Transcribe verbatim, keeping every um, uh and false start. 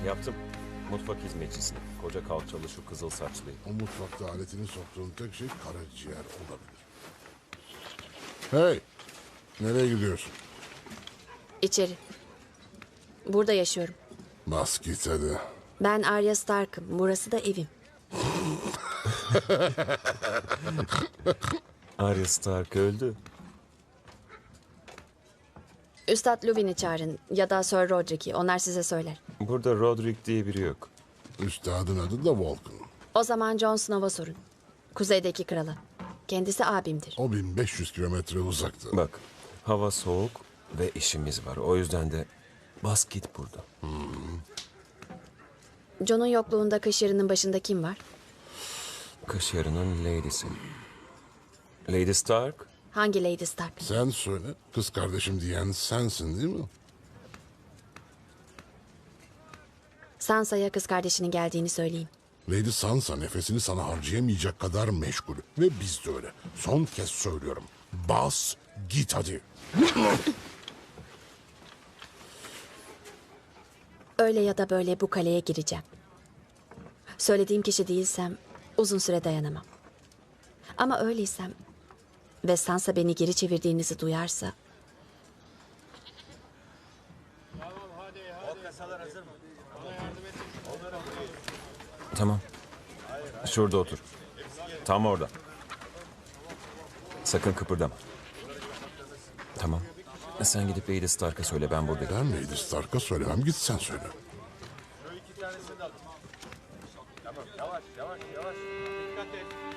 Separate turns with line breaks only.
Yaptım. Mutfak hizmetçisini. Koca kalçalı şu kızıl saçlıyı.
O mutfakta aletini soktuğun tek şey karaciğer olabilir. Hey! Nereye gidiyorsun?
İçeri. Burada yaşıyorum.
Bas git hadi.
Ben Arya Stark'ım. Burası da evim.
Arya Stark öldü.
Üstad Luwin'i çağırın ya da Sir Roderick'i. Onlar size söyler.
Burada Roderick diye biri yok.
Üstadın adı da Vulcan.
O zaman Jon Snow'a sorun. Kuzeydeki krala. Kendisi abimdir.
O bin beş yüz kilometre uzakta.
Bak, hava soğuk ve işimiz var. O yüzden de bas git burada.
Jon'un yokluğunda kış yarının başında kim var?
Kış yarının lady'si. Lady Stark?
Hangi Lady Stark?
Sen söyle. Kız kardeşim diyen sensin değil mi?
Sansa'ya kız kardeşinin geldiğini söyleyin.
Lady Sansa nefesini sana harcayamayacak kadar meşgul. Ve biz de öyle. Son kez söylüyorum. Bas git hadi.
Öyle ya da böyle bu kaleye gireceğim. Söylediğim kişi değilsem uzun süre dayanamam. Ama öyleysem ve Sansa beni geri çevirdiğinizi duyarsa...
Tamam. Şurada otur. Tam orada. Sakın kıpırdama. Tamam. Sen gidip Lady Stark'a söyle, ben buradayım.
Ben Lady Stark'a söylemem, git sen söyle.
Yavaş yavaş yavaş. Dikkat et.